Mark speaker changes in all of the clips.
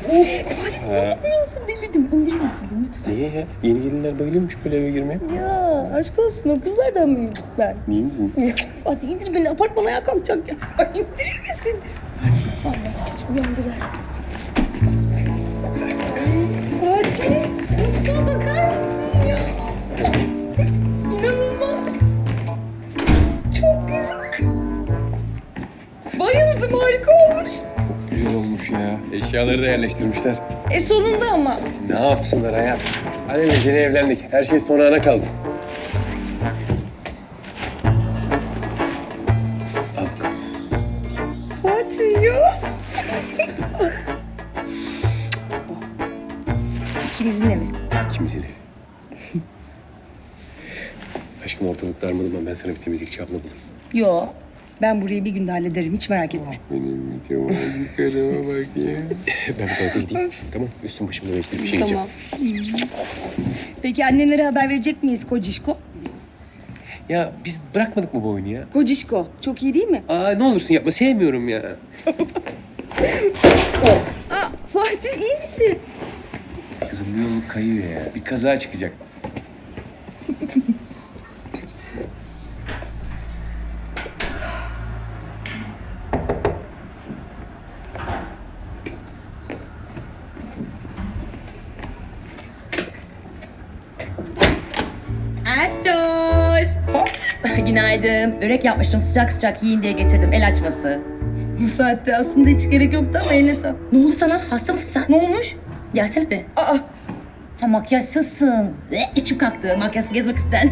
Speaker 1: Fatih ne yapıyorsun? Delirdim. İndirir misin lütfen?
Speaker 2: Niye ya? Yeni gelinler bayılıyormuş böyle eve girmeye.
Speaker 1: Ya aşk olsun o kızlardan mıyım ben?
Speaker 2: Niye misin?
Speaker 1: Fatih indir beni apartmana ayağa kalkacak ya. İndirir misin? Fatih vallahi geç uyandılar. Fatih mutfağa bakar mısın ya? İnanılmaz. Çok güzel. Bayıldım harika olmuş.
Speaker 2: Güzel olmuş ya. Eşyaları da yerleştirmişler.
Speaker 1: Sonunda ama.
Speaker 2: Ne yapsınlar hayat? Alelacele evlendik. Her şey son ana kaldı.
Speaker 1: Fatih ya. İkimizin evi.
Speaker 2: İkimizin evi. Aşkım ortalık darmadım, ben sana bir temizlikçi abla bulayım.
Speaker 1: Yo. Ben burayı bir günde hallederim. Hiç merak etme.
Speaker 2: Benim mütevazı karıma bak ya. Ben bir tuvalete gideyim. Tamam, üstüm başımı değiştirip bir şey yiyeceğim.
Speaker 1: Peki annenlere haber verecek miyiz Kocişko?
Speaker 2: Ya biz bırakmadık mı bu oyunu ya?
Speaker 1: Kocişko. Çok iyi değil mi?
Speaker 2: Aa ne olursun yapma, sevmiyorum ya.
Speaker 1: Aa, Fatih iyi misin?
Speaker 2: Kızım bir yol kayıyor ya. Bir kaza çıkacak.
Speaker 3: Ertuğ. Günaydın. Börek yapmıştım sıcak sıcak yiyin diye getirdim. El açması.
Speaker 1: Bu saatte aslında hiç gerek yoktu ama eline sağlık.
Speaker 3: Ne oldu sana? Hasta mısın sen?
Speaker 1: Ne olmuş?
Speaker 3: Gelsene bir.
Speaker 1: Aa,
Speaker 3: Ha makyajsızsın. İçim kalktı. Makyajsız gezmek isten.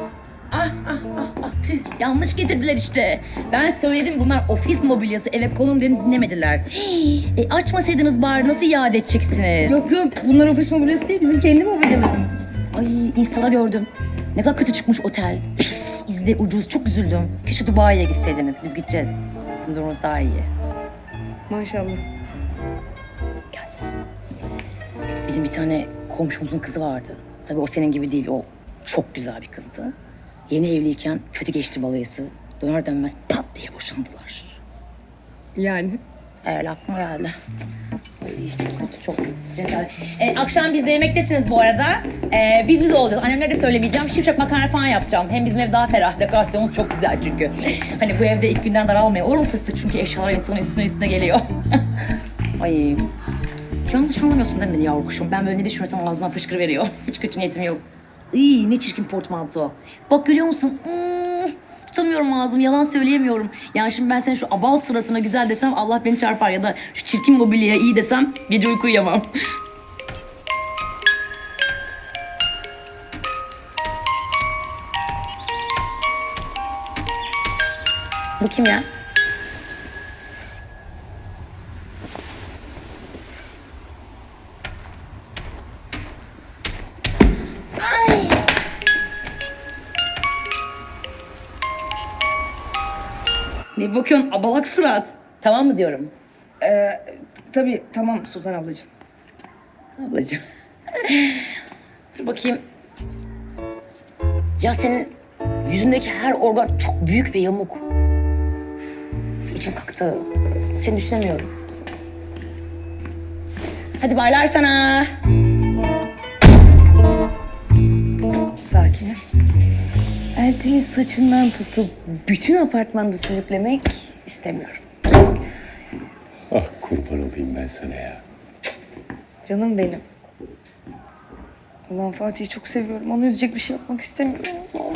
Speaker 3: Tüh. Yanlış getirdiler işte. Ben söyledim bunlar ofis mobilyası eve konum dedim dinlemediler. Açmasaydınız bari nasıl iade edeceksiniz?
Speaker 1: yok yok bunlar ofis mobilyası değil bizim kendi mobilyalarımız.
Speaker 3: Ay Insta'da gördüm. Ne kadar kötü çıkmış otel. Pis, izle ucuz. Çok üzüldüm. Keşke Dubai'ye gitseydiniz. Biz gideceğiz. Bizim durumumuz daha iyi.
Speaker 1: Maşallah.
Speaker 3: Gelsene. Bizim bir tane komşumuzun kızı vardı. Tabii o senin gibi değil. O çok güzel bir kızdı. Yeni evliyken kötü geçti balayısı. Döner dönmez pat diye boşandılar.
Speaker 1: Yani?
Speaker 3: Öyle aklıma geldi. Ay, çok kötü, çok rezalet. Akşam biz de yemektesiniz bu arada. Biz olacağız. Annemlere de söylemeyeceğim. Şimşek makarna falan yapacağım. Hem bizim ev daha ferah. Dekorasyonumuz çok güzel çünkü. Hani bu evde ilk günden daralmayın. Olur mu fıstık? Çünkü eşyalar insanın üstüne geliyor. Ay. Yanlış anlamıyorsun değil mi beni yavru kuşum? Ben böyle ne düşünürsem ağzından fışkırıveriyor. Hiç kötü niyetim yok. İyi ne çirkin portmanto. Bak görüyor musun? Tutamıyorum ağzım, yalan söyleyemiyorum. Yani şimdi ben senin şu abal suratına güzel desem Allah beni çarpar ya da şu çirkin mobilyaya iyi desem gece uyku uyuyamam. Bu kim ya?
Speaker 1: Ne bakıyorsun abalak surat?
Speaker 3: Tamam mı diyorum?
Speaker 1: Tabii tamam Sultan ablacığım.
Speaker 3: Ablacığım. Dur bakayım. Ya senin yüzündeki her organ çok büyük ve yamuk. İçim kalktı. Seni düşünemiyorum. Hadi baylar sana.
Speaker 1: Sakin. Elti'nin saçından tutup bütün apartmanda sürüklemek istemiyorum.
Speaker 2: Ah kurban olayım ben sana ya.
Speaker 1: Canım benim. Ulan Fatih'i çok seviyorum. Onu üzecek bir şey yapmak istemiyorum.